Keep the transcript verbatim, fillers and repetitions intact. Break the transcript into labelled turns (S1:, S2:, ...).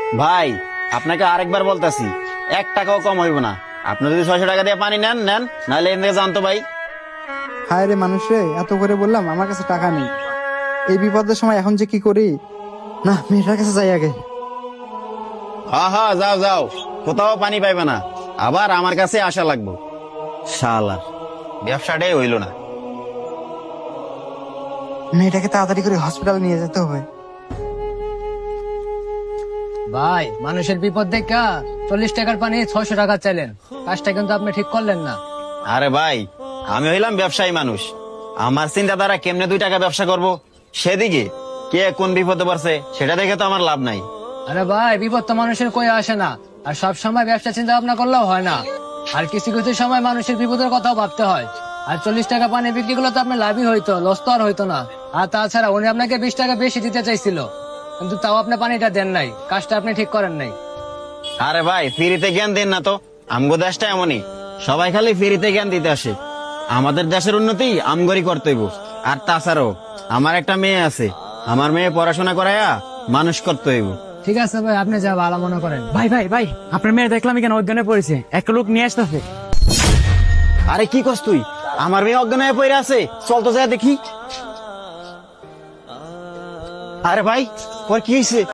S1: ভাই আপনাকে আরেকবার বলতেছি, এক টাকাও কম হইব না। আপনি যদি ছয়শো টাকা দিয়ে পানি নেন নেন, নাহলে এনে জানতো ভাই।
S2: হায় রে মানুষ রে, এত করে বললাম আমার কাছে টাকা নেই। এই বিপদের সময় এখন যে কি করি। না, মেয়েটার কাছে যাই আগে।
S1: হ্যাঁ হ্যাঁ, যাও যাও, কোথাও পানি পাইবে না, আবার আমার কাছে আসা লাগবো। শালার ব্যবসাটাই হইল না।
S2: মেয়েটাকে তাড়াতাড়ি করে হসপিটাল নিয়ে যেতে হবে।
S3: ভাই, মানুষের বিপদ দেখা চল্লিশ টাকার পানি ছয়শো টাকা চাইলেন, কাজটা কিন্তু আপনি ঠিক করলেন না।
S1: আরে ভাই, আমি হইলাম ব্যবসায়ী মানুষ, আমার চিন্তাধারা কেমনে দুই টাকা ব্যবসা করব, সেদিকে কে কোন বিপদে পড়ছে সেটা দেখে তো আমার লাভ নাই।
S3: আরে ভাই, বিপদ তো মানুষের কই আসে না, আর সব সময় ব্যবসা চিন্তা ভাবনা করলেও হয় না। আর কিছু কিছু সময় মানুষের বিপদের কথাও ভাবতে হয়। আর চল্লিশ টাকা পানি বিক্রি করলে তো আপনার লাভই হইতো, লস তো আর হইতো না। আর তাছাড়া উনি আপনাকে বিশ টাকা বেশি দিতে চাইছিল, কিন্তু তাও আপনি পানিটা দেন নাই, কাজটা আপনি ঠিক করেন নাই।
S1: আরে ভাই, ফ্রিতে জ্ঞান দেন না তো, আমগো দেশটা এমনই, সবাই খালি ফ্রিতে জ্ঞান দিতে আসে। আমাদের দেশের উন্নতি আমগরি করতে হইব। আর তাছাড়াও আমার একটা মেয়ে আছে, আমার মেয়ে পড়াশোনা করাইয়া মানুষ করতে হইব।
S3: ঠিক আছে ভাই, আপনি যা ভালো মনে করেন।
S4: ভাই ভাই ভাই, আপনার মেয়ে দেখলাম এখানে অজ্ঞানে পড়েছে, একটা লোক নিয়ে আসতেছে।
S1: আরে কি কস তুই? আমার মেয়ে অজ্ঞান হয়ে পড়ে আছে, চল তো যা দেখি। আরে ভাই, ওর কি হয়েছে?